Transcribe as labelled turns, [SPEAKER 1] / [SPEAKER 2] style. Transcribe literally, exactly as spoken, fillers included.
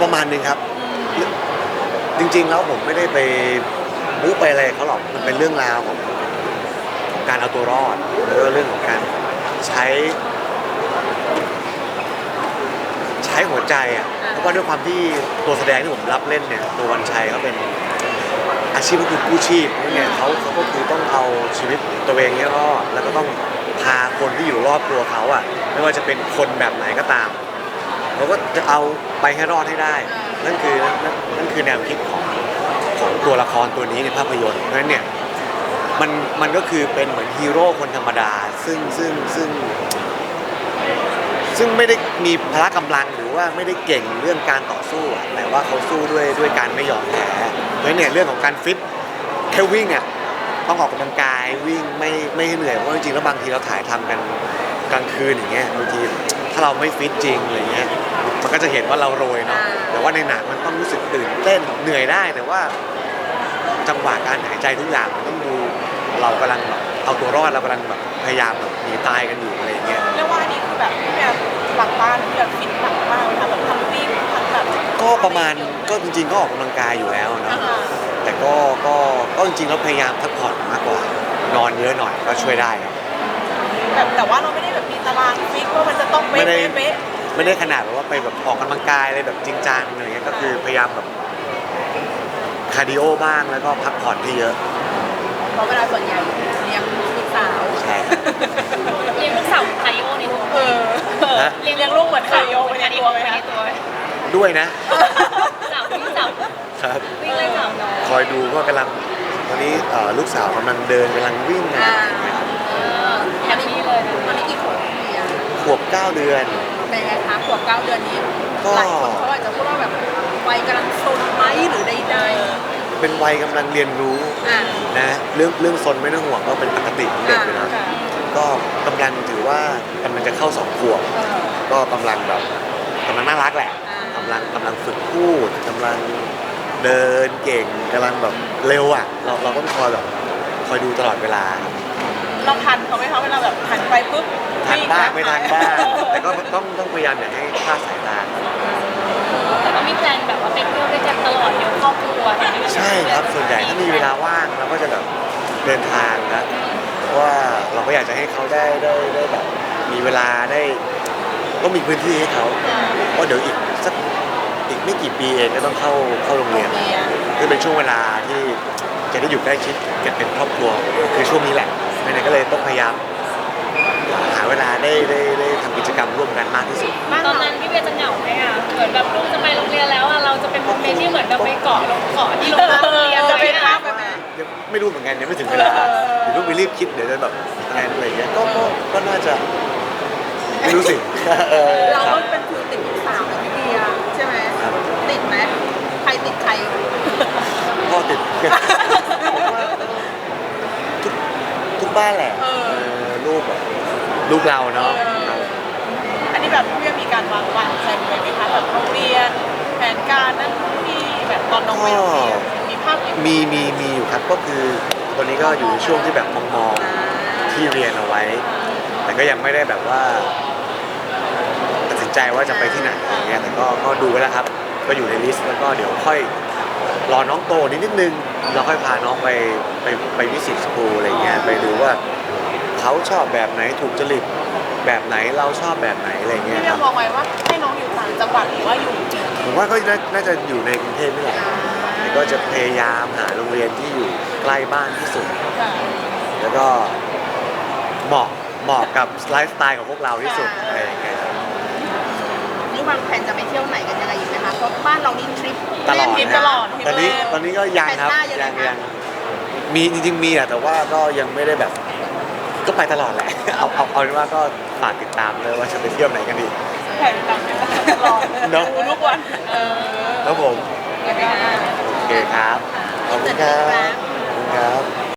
[SPEAKER 1] ประมาณนึงครับจริงๆแล้วผมไม่ได้ไปบู๊ไปอะไรเขาหรอกมันเป็นเรื่องราวของของการเอาตัวรอดแล้วก็เรื่องของการใช้ใช้หัวใจอ่ะเพราะว่าด้วยความที่ตัวแสดงที่ผมรับเล่นเนี่ยตัววันชัยเขาเป็นอาชีพก็คือกู้ชีพเนี่ยเขาเขาก็คือต้องเอาชีวิตตัวเองเนี่ยรอดแล้วก็ต้องพาคนที่อยู่รอบตัวเขาอ่ะไม่ว่าจะเป็นคนแบบไหนก็ตามเขาก็จะเอาไปให้รอดให้ได้นั่นคือนั่นนั่นคือแนวคิดของของตัวละครตัวนี้ในภาพยนตร์เพราะฉะนั้นเนี่ยมันมันก็คือเป็นเหมือนฮีโร่คนธรรมดาซึ่งซึ่งซึ่งซึ่งไม่ได้มีพละกำลังหรือว่าไม่ได้เก่งเรื่องการต่อสู้แต่ว่าเขาสู้ด้วยด้วยการไม่ยอมแพ้เพราะฉะนั้นเนี่ยเรื่องของการฟิตแค่วิ่งอ่ะต้องออกกำลังกายวิ่งไม่ไม่เหนื่อยเพราะจริงๆแล้วบางทีเราถ่ายทำกันกลางคืนอย่างเงี้ยบางทีถ้าเราไม่ฟิตจริงอะไรเงี้ยมันก็จะเห็นว่าเราโรยเนาะแต่ว่าในหนังมันต้องรู้สึกตื่นเต้นเหนื่อยได้แต่ว่าจังหวะการหายใจทุกอย่างมันต้องดูเรากำลังแบบเอาตัวรอดเรากำลังแบบพยายามแบบหนีตายกันอยู่อะไรเงี้ย
[SPEAKER 2] เรียกว่าอันนี้คือแบบพี่แบบหลังบ้านพี่แบบฟิตหนักมากเลยค่ะแบบทั้งวิ่งทั้งแบบ
[SPEAKER 1] ก็ประมาณก็จริงๆก็ออกกำลังกายอยู่แล้วเนาะแต่ก็ก็ก็จริงๆแล้วพยายามพักผ่อนมากกว่านอนเยอะหน่อยก็ช่วยได้ครับ
[SPEAKER 2] แบบแต่ว่าเราไม่ได้แบบมีตารางฟิกว่ามันจะต้องเป๊ะเป๊ะเป๊ะ
[SPEAKER 1] ไม่ได้ขนาดแบบว่าไปแบบออกกำลังกายอะไรแบบจริงจังอะไรเงี้ยก็คือพยายามแบบคาร์ดิโอบ้างแล้วก็พักผ่อนที่เยอะ
[SPEAKER 2] เพราะเวลาส่วนใหญ่เลี้ยงลูกสาว
[SPEAKER 1] ใช่
[SPEAKER 3] เลี้ยงลูกสาวคาร์ดิโอในตัว
[SPEAKER 2] เออเลี้ยงเลี้ยงลูกเหมือนคาร์ดิโอไปในตัวไหมคะ
[SPEAKER 1] ด้วยนะ
[SPEAKER 3] จับวิ่งจับ
[SPEAKER 1] ครับ
[SPEAKER 3] วิ่งเลยจับน้อง
[SPEAKER 1] คอยดูก็กำลังตอนนี้ลูกสาวกำลังเดินกำลังวิ่งอะไร
[SPEAKER 3] อย่างนี้เลย
[SPEAKER 2] ตอนนี้กี่ขวบเนี่ย
[SPEAKER 1] ขวบเก้าเดือน
[SPEAKER 2] เป็นไงคะขวบเก้าเดือนนี้หลายคนเขาอาจจะพูดว่าแบบวัยกำลังซนไหมหรือใดๆ
[SPEAKER 1] เป็นวัยกำลังเรียนรู้นะเรื่องเรื่องซนไม่ต้องห่วงก็เป็นปกติของเด็กเลยนะก็กำลังถือว่ากำลังจะเข้าสองขวบก็กำลังแบบกำลังน่ารักแหละกำลังกำลังฝึกพูดกำลังเดินเก่งกำลังแบบเร็วอ่ะเราเราก็คอยแบบคอยดูตลอดเวลา
[SPEAKER 2] เราทันเขาไหมคะเวลาแบบหันไปปุ๊บ
[SPEAKER 1] ทันบ้างไม่ทันบ้างแต่ก็ต้องต้องพยายามอย่าให้คลาดสายตา
[SPEAKER 3] แต่ก็มีแพลนแบบว่าไปเที่ยวด้วยกันตลอดเดี๋ยวครอบครัว
[SPEAKER 1] ใช่ครับส่วนใหญ่ถ้ามีเวลาว่างเราก็จะแบบเดินทางนะเพราะว่าเราก็อยากจะให้เขาได้ได้ได้แบบมีเวลาได้ก็มีพื้นที่ให้เขาเพราะเดี๋ยวอีกสักอีกไม่กี่ปีเองก็ต้องเข้าเข้าโรงเรียนคือเป็นช่วงเวลาที่จะได้อยู่ใกล้ชิดกันเป็นครอบครัวคือช่วงนี้แหละดังนั้นก็เลยต้องพยายามหาเวลาได้ได้ได้ทำกิจกรรมร่วมกันมากที่สุด
[SPEAKER 3] ตอนนั้นพี่เบียจะเหงาไหมอ่ะเหมือนแบบลูกจะไปโรงเรียนแล้วอ่ะเราจะเป็นโมเมนต์ที่เหมือนแบบไปเกาะลงเกาะที่โรงเรียน
[SPEAKER 2] จะเป็นภาพแบบไหน
[SPEAKER 1] ไม่รู้เหมือนกันยังไม่ถึงเวลาเดี๋ยวต้องไปรีบคิดเดี๋ยวจะแบบแทนอะไรเงี้ยก็ก็ก็น่าจะไม่รู้สิ
[SPEAKER 2] เราก็เป็นคือติดลูกสาวนะพี่เบียใช่ไหมติดไหมใครติดใคร
[SPEAKER 1] พ่อติดทุกทุกบ้านแหละลูกแบบลูกเราเนาะ
[SPEAKER 2] อันนี้แบบพี่มีการวางวางแผนไว้ไหมคะแบบโรงเรียนแผนการนั่นที่แบบตอนน้องไปโรงเรียนมีภาพ
[SPEAKER 1] มีมีมีอยู่ครับก็คือตอนนี้ก็อยู่ในช่วงที่แบบมองๆที่เรียนเอาไว้แต่ก็ยังไม่ได้แบบว่าตัดสินใจว่าจะไปที่ไหนอย่างเงี้ยแต่ก็ก็ดูไว้แล้วครับก็อยู่ในลิสต์แล้วก็เดี๋ยวค่อยรอน้องโตนิดนิดนึงเราค่อยพาน้องไปไปไปวิสิตสคูลอะไรเงี้ยไปดูว่าเขาชอบแบบไหนถูกจริตแบบไหนเราชอบแบบไหนอะไรเงี้ย
[SPEAKER 2] ครับพี่มองไว้ว่าให้น้องอยู่ต่างจังหวัดหรือว่าอยู่
[SPEAKER 1] ผมว่าก็น่าจะอยู่ในกรุงเทพนี่แหละก็จะพยายามหาโรงเรียนที่อยู่ใกล้บ้านที่สุดแล้วก็เหมาะเหมาะกับไลฟ์สไตล์ของพวกเราที่สุดอะไรอย่างเงี้ย
[SPEAKER 2] นี่วางแผนจะไปเที่ยวไหนกันยังไงอีกไหมคะเพราะบ้านเรานี่ทริป
[SPEAKER 1] ตลอด
[SPEAKER 2] ตลอด
[SPEAKER 1] ตอนนี้ตอนนี้ก็ยังครับยังยังมีจริงๆมีอะแต่ว่าก็ยังไม่ได้แบบก็ไปตลอดแหละเอาเอาเอาเป็นว่าก็ฝากติดตามเลยว่าจะไปเที่ยวไหนกันดี
[SPEAKER 2] แผนตามตลอดดูทุกวัน
[SPEAKER 1] ครับผมโอเคครับขอบคุณครับขอบคุณครับ